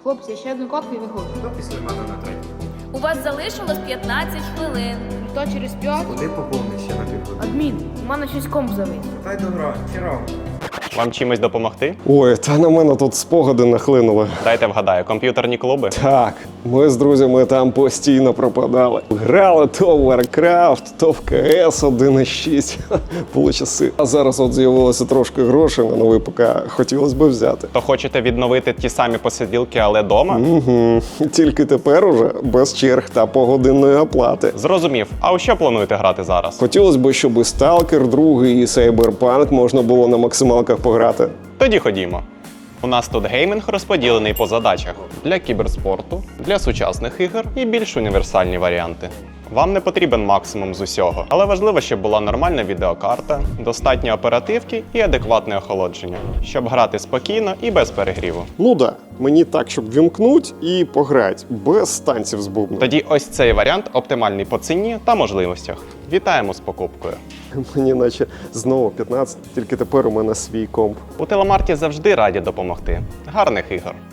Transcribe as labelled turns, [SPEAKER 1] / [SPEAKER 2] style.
[SPEAKER 1] Хлопці, ще одну катку і виходжу.
[SPEAKER 2] Хто після мене на третій?
[SPEAKER 3] У вас залишилось 15 хвилин.
[SPEAKER 1] Хто через 5?
[SPEAKER 2] Куди поповниш ще на півгодини?
[SPEAKER 1] Адмін, у мене щось комп завис.
[SPEAKER 2] Та й добра, хіра.
[SPEAKER 4] Вам чимось допомогти?
[SPEAKER 5] Ой, та на мене тут спогади нахлинули.
[SPEAKER 4] Дайте вгадаю, комп'ютерні клуби?
[SPEAKER 5] Так, ми з друзями там постійно пропадали. Грали то в Warcraft, то в CS 1.6. Були часи. А зараз от з'явилося трошки грошей на новий ПК. Хотілося б взяти.
[SPEAKER 4] То хочете відновити ті самі посиділки, але дома?
[SPEAKER 5] Угу. Тільки тепер уже без черг та погодинної оплати.
[SPEAKER 4] Зрозумів. А у що плануєте грати зараз?
[SPEAKER 5] Хотілося б, щоб і Stalker 2, і Cyberpunk можна було на максималках пограти.
[SPEAKER 4] Тоді ходімо. У нас тут геймінг розподілений по задачах. Для кіберспорту, для сучасних ігор і більш універсальні варіанти. Вам не потрібен максимум з усього, але важливо, щоб була нормальна відеокарта, достатньо оперативки і адекватне охолодження, щоб грати спокійно і без перегріву.
[SPEAKER 5] Ну да, мені так, щоб вімкнуть і пограти, без танців з бубном.
[SPEAKER 4] Тоді ось цей варіант оптимальний по ціні та можливостях. Вітаємо з покупкою.
[SPEAKER 5] Мені наче знову 15, тільки тепер у мене свій комп.
[SPEAKER 4] У Телемарті завжди раді допомогти. Гарних ігор!